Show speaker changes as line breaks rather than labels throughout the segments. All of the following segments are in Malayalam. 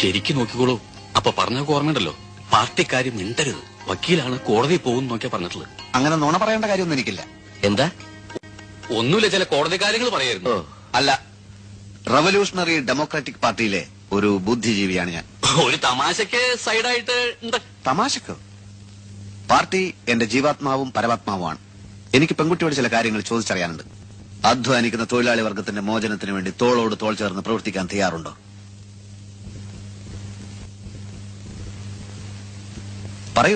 ശരിക്കും നോക്കിക്കോളൂ. അപ്പൊ പറഞ്ഞ ഓർമ്മയുണ്ടല്ലോ, പാർട്ടിക്കാര് മിണ്ടരുത്, വക്കീലാണ് കോടതി പോകും നോക്കിയാ പറഞ്ഞിട്ടുള്ളത്.
അങ്ങനെ നുണ പറയേണ്ട കാര്യമൊന്നും എനിക്കില്ല.
എന്താ?
ഒന്നുമില്ല, ചില കോടതി കാര്യങ്ങൾ പറയായിരുന്നു.
അല്ല, റവല്യൂഷണറി ഡെമോക്രാറ്റിക് പാർട്ടിയിലെ ഒരു ബുദ്ധിജീവിയാണ് ഞാൻ.
ഒരു തമാശക്ക് സൈഡായിട്ട്
തമാശക്കോ? പാർട്ടി എന്റെ ജീവാത്മാവും പരമാത്മാവുമാണ്. എനിക്ക് പെൺകുട്ടിയോട് ചില കാര്യങ്ങൾ ചോദിച്ചറിയാനുണ്ട്. അധ്വാനിക്കുന്ന തൊഴിലാളി വർഗത്തിന്റെ മോചനത്തിന് വേണ്ടി തോളോട് തോൾ ചേർന്ന് പ്രവർത്തിക്കാൻ തയ്യാറുണ്ടോ? പറയൂ.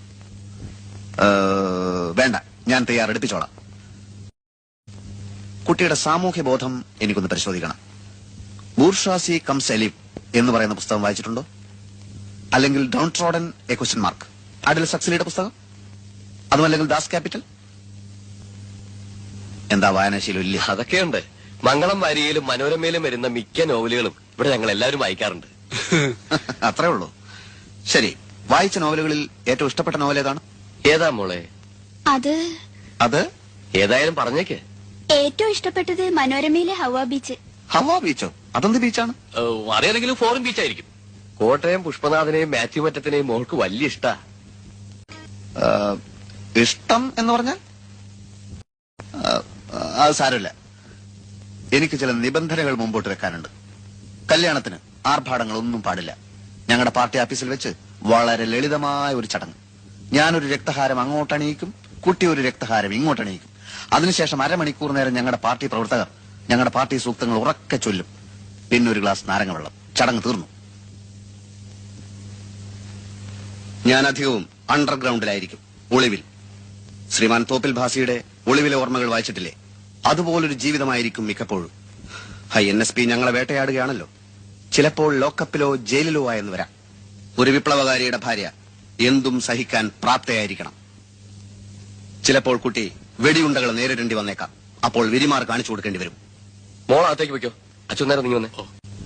വേണ്ട, ഞാൻ തയ്യാറെടുപ്പിച്ചോളാം. കുട്ടിയുടെ സാമൂഹ്യ ബോധം എനിക്കൊന്ന് പരിശോധിക്കണം. ബൂർഷാസി കംസ് എലിവ് എന്ന് പറയുന്ന പുസ്തകം വായിച്ചിട്ടുണ്ടോ? അല്ലെങ്കിൽ down trodden a question mark, അഡിൽ സക്സലിയുടെ പുസ്തകം? അതുമല്ലെങ്കിൽ ദാസ് ക്യാപിറ്റൽ? എന്താ വായനാശീലം ഇല്ല?
അതൊക്കെയുണ്ട്. മംഗളം വാരികയിലും മനോരമയിലും വരുന്ന മിക്ക നോവലുകളും ഇവിടെ ഞങ്ങൾ എല്ലാവരും വായിക്കാറുണ്ട്.
അത്രേ ഉള്ളൂ. ശരി, വായിച്ച നോവലുകളിൽ ഏറ്റവും ഇഷ്ടപ്പെട്ട നോവൽ ഏതാണ്?
ഏതാ മോളെ?
അത്
ഏതായാലും പറഞ്ഞേക്ക്.
ഏറ്റവും ഇഷ്ടപ്പെട്ടത് മനോരമയിലെ ഹവ ബീച്ച്.
ഹവ ബീച്ചോ? അതെന്ത് ബീച്ചാണ്?
അറിയാതെങ്കിലും ഫോറിൻ ബീച്ചായിരിക്കും.
കോട്ടയം പുഷ്പനാഥനെയും മാത്യു മറ്റത്തിനെയും മോൾക്ക് വലിയ ഇഷ്ടാ.
ഇഷ്ടം എന്ന് പറഞ്ഞാൽ അത് സാരമില്ല. എനിക്ക് ചില നിബന്ധനകൾ മുമ്പോട്ട് വെക്കാനുണ്ട്. കല്യാണത്തിന് ആർഭാടങ്ങളൊന്നും പാടില്ല. ഞങ്ങളുടെ പാർട്ടി ഓഫീസിൽ വെച്ച് വളരെ ലളിതമായ ഒരു ചടങ്ങ്. ഞാനൊരു രക്തഹാരം അങ്ങോട്ടണിയിക്കും, കുട്ടി ഒരു രക്തഹാരം ഇങ്ങോട്ടണിയിക്കും. അതിനുശേഷം അരമണിക്കൂർ നേരം ഞങ്ങളുടെ പാർട്ടി പ്രവർത്തകർ ഞങ്ങളുടെ പാർട്ടി സൂക്തങ്ങൾ ഉറക്കെ ചൊല്ലും. പിന്നെ ഒരു ഗ്ലാസ് നാരങ്ങ വെള്ളം. ചടങ്ങ് തീർന്നു. ഞാൻ അധികവും അണ്ടർഗ്രൗണ്ടിലായിരിക്കും, ഒളിവിൽ. ശ്രീമാൻ തോപ്പിൽ ഭാസിയുടെ ഒളിവിലെ ഓർമ്മകൾ വായിച്ചിട്ടില്ലേ? അതുപോലൊരു ജീവിതമായിരിക്കും മിക്കപ്പോഴും. NSP ഞങ്ങളെ വേട്ടയാടുകയാണല്ലോ. ചിലപ്പോൾ ലോക്കപ്പിലോ ജയിലിലോ ആയെന്ന് വരാം. ഒരു വിപ്ലവകാരിയുടെ ഭാര്യ എന്തും സഹിക്കാൻ പ്രാപ്തയായിരിക്കണം. ചിലപ്പോൾ കുട്ടി വെടിയുണ്ടകൾ നേരിടേണ്ടി വന്നേക്കാം. അപ്പോൾ വിരിമാർ കാണിച്ചു കൊടുക്കേണ്ടി വരും.
മോൾ അകത്തേക്ക് വെക്കോ. അച്ഛൻ നേരം നീ വന്നേ.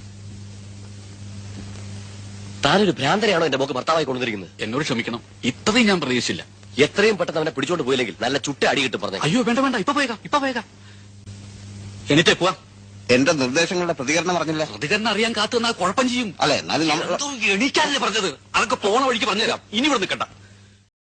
താനൊരു ഭ്രാന്തരെയാണോ എന്റെ മോക്ക് ഭർത്താവായി കൊണ്ടുവന്നിരിക്കുന്നത്?
എന്നോട് ക്ഷമിക്കണം, ഇത്രയും ഞാൻ പ്രതീക്ഷിച്ചില്ല.
എത്രയും പെട്ടെന്ന് അവനെ പിടിച്ചോണ്ട് പോയില്ലെങ്കിൽ നല്ല ചുട്ട അടി കിട്ടും പറഞ്ഞു.
അയ്യോ വേണ്ട വേണ്ട, ഇപ്പൊ പോയേക്കാം. എന്നിട്ടേ പോവാം.
എന്റെ നിർദ്ദേശങ്ങളുടെ പ്രതികരണം പറഞ്ഞില്ല.
പ്രതികരണം അറിയാൻ കാത്തു നിന്നാൽ കുഴപ്പം ചെയ്യും.
അല്ലെ,
എണീക്കാനല്ലേ പറഞ്ഞത്? അതൊക്കെ പോണ വഴിക്ക് പറഞ്ഞുതരാം. ഇനി ഇവിടെ നിൽക്കണ്ട.